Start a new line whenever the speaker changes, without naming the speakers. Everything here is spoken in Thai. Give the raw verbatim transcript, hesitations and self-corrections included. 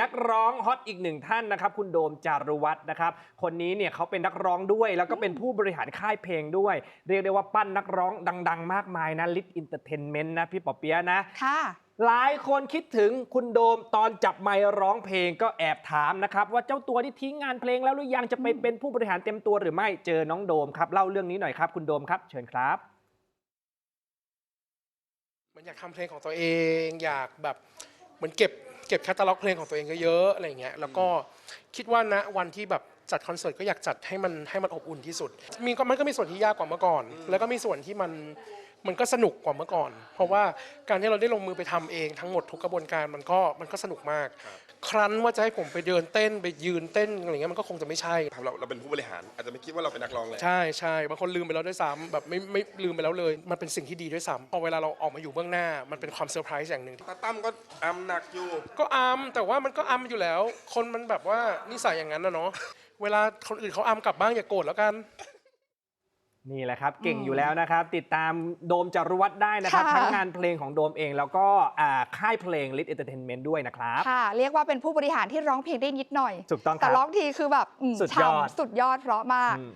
นักร้องฮอตอีกหนึ่งท่านนะครับคุณโดมจารุวัฒน์นะครับคนนี้เนี่ยเขาเป็นนักร้องด้วยแล้วก็เป็นผู้บริหารค่ายเพลงด้วยเรียกได้ว่าปั้นนักร้องดังๆมากมายนะลิทอินเตอร์เทนเมนต์นะพี่ปอเปี๊ยะนะ
ค่ะ
หลายคนคิดถึงคุณโดมตอนจับไมค์ร้องเพลงก็แอบถามนะครับว่าเจ้าตัวที่ทิ้งงานเพลงแล้วหรือยังจะไปเป็นผู้บริหารเต็มตัวหรือไม่เจอน้องโดมครับเล่าเรื่องนี้หน่อยครับคุณโดมครับเชิญครับ
มันอยากทำเพลงของตัวเองอยากแบบเหมือนเก็บเก็บแคตตาล็อกเพลงของตัวเองเยอะๆอะไรเงี้ยแล้วก็คิดว่าณวันที่แบบจัดคอนเสิร์ตก็อยากจัดให้มันให้มันอบอุ่นที่สุดมีก็มันก็มีส่วนที่ยากกว่าเมื่อก่อนแล้วก็มีส่วนที่มันมันก็สนุกกว่าเมื่อก่อนเพราะว่าการที่เราได้ลงมือไปทำเองทั้งหมดทุกกระบวนการมันก็มันก็สนุกมากครั้นว่าจะให้ผมไปเดินเต้นไปยืนเต้นอะไรเงี้ยมันก็คงจะไม่ใช่
เราเราเป็นผู้บริหารอาจจะไม่คิดว่าเราเป็นนักร้องเลย
ใช่ใช่บางคนลืมไปแล้วด้วยซ้ำแบบไม่ไม่ลืมไปแล้วเลยมันเป็นสิ่งที่ดีด้วยซ้ำพอเวลาเราออกมาอยู่เบื้องหน้ามันเป็นความเซอร์ไพรส์อย่างหนึ่ง
ตาตั้มก็อัมหนักอยู่
ก็อัมแต่ว่ามันก็อัมอยู่แล้ว คนมันแบบว่านิสัยอย่างนั้นนะเนาะเวลาคนอื่นเขาอัมกลับบ้างอย่าโกรธแล้วกัน
นี่แหละครับเก่งอยู่แล้วนะครับติดตามโดมจารุวัฒน์ได้นะครับทั้งงานเพลงของโดมเองแล้วก็ค่ายเพลง Lit Entertainment ด้วยนะครับ
ค่ะเรียกว่าเป็นผู้บริหารที่ร้องเพลงได้นิดหน่อย
ถูกต้องครับ
แต่ร้องทีคือแบบ
สุดยอด
สุดยอดเพราะมาก